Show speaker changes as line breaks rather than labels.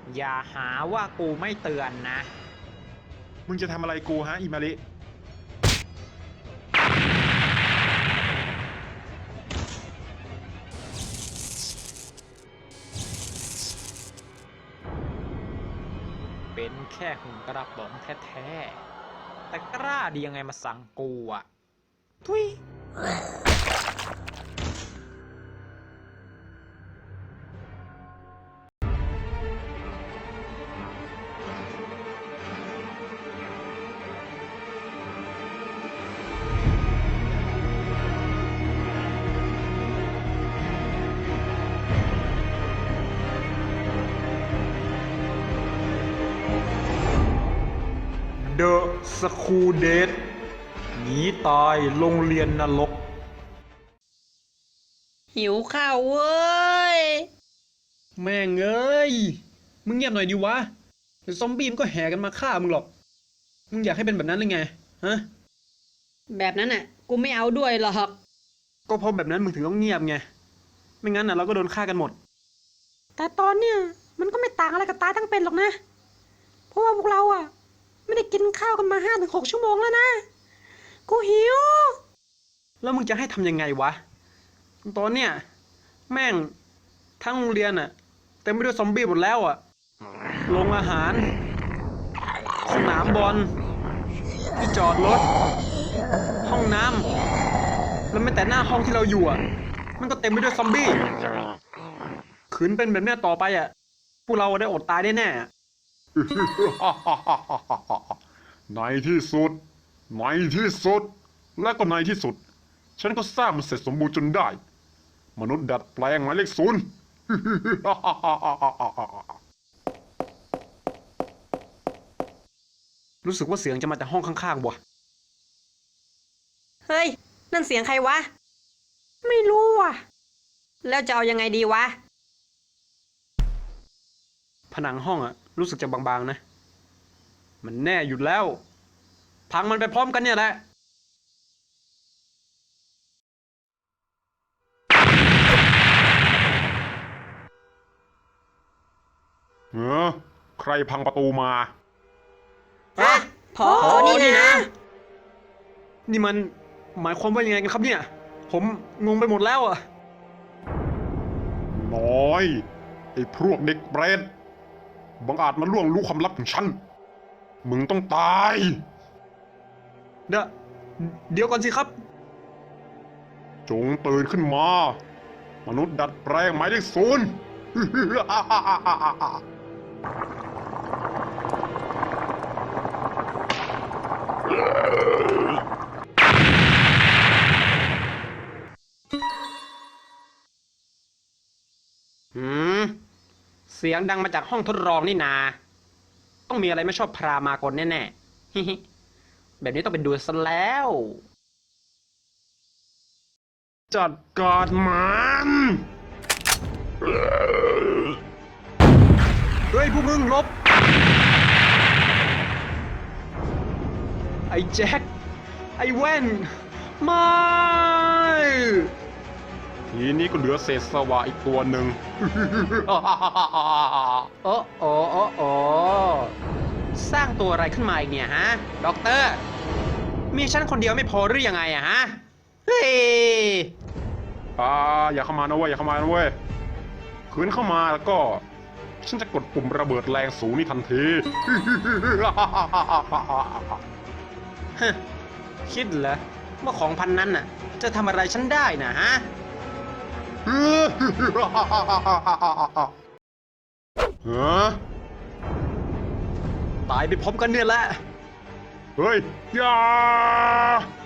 อย่าหาว่ากูไม่เตือนนะ
มึงจะทำอะไรกูฮะอิมาริ
เป็นแค่หุ่นกระป๋องแท้ๆแต่กล้าดียังไงมาสั่งกูอ่ะทุย
เดอะสคูเดทหนีตายโรงเรียนนรก
หิวข้าวเว้ยแม่งเอ้ยมึงเงียบหน่อยดิวะเดี๋ยวซอมบี้มันก็แห่กันมาฆ่ามึงหรอกมึงอยากให้เป็นแบบนั้นหรือไงฮะแบบนั้นน่ะกูไม่เอาด้วยหรอกก็เพราะแบบนั้นมึงถึงต้องเงียบไงไม่งั้นน่ะเราก็โดนฆ่ากันหมดแต่ตอนเนี้ยมันก็ไม่ต่างอะไรกับตายทั้งเป็นหรอกนะเพราะว่าพวกเราอ่ะไม่ได้กินข้าวกันมา5 ถึง 6 ชั่วโมงแล้วนะกูหิวแล้วมึงจะให้ทำยังไงวะตอนเนี้ยแม่งทั้งโรงเรียนอ่ะเต็มไปด้วยซอมบี้หมดแล้วอ่ะโรงอาหารสนามบอลที่จอดรถห้องน้ำแล้วแม้แต่หน้าห้องที่เราอยู่อ่ะมันก็เต็มไปด้วยซอมบี้ขืนเป็นแบบเนี้ยต่อไปอ่ะพวกเราได้อดตายแน่ๆ
ในที่สุดในที่สุดและก็ในที่สุดฉันก็สร้างมันเสร็จสมบูรณ์จนได้มนุษย์ดัดแปลงหมายเลขศูนย์
รู้สึกว่าเสียงจะมาจากห้องข้างๆว่ะ
เฮ้ย นั่นเสียงใครวะ ไม่รู้ว่ะ แล้วจะเอายังไงดีวะ
ผนังห้องอะรู้สึกจะบางๆนะมันแน่อยู่แล้วพังมันไปพร้อมกันเนี่ยแหละ
ใครพังประตูมา
อะพอนี่นะ
นี่มันหมายความว่ายังไงกันครับเนี่ยผมงงไปหมดแล้วอะ
น้อยไอ้พวกเด็กเปรตบังอาจมาล่วงรู้ความลับของฉันมึงต้องตาย
เดี๋ยวก่อนสิครับ
จงตื่นขึ้นมา มนุษย์ดัดแปลงหมายเลขศูนย์
เสียงดังมาจากห้องทดลองนี่นาต้องมีอะไรไม่ชอบพรามากลแน่ๆ แบบนี้ต้องเป็นดูซะแล้ว
จัดการมัน
เฮ้ยพวกมึงลบไอ้แจ็คไอ้แว่นไม่
ทีนี้ก็เหลือเศษสวะอีกตัวหนึ่ง
โอ้โอ้โอ้โอ้สร้างตัวอะไรขึ้นมาอีกเนี่ยฮะด็อกเตอร์มีฉันคนเดียวไม่พอหรือยังไงอะฮะเฮ้ย
อย่าเข้ามานะเว้ยอย่าเข้ามานะเว้ยขืนเข้ามาแล้วก็ฉันจะกดปุ่มระเบิดแรงสูงนี่ทันที
คิดเหรอว่าของพันนั้นน่ะจะทำอะไรฉันได้นะฮะ ตายไปพร้อมกันเนี่ยแหละ
เฮ้ยอย่า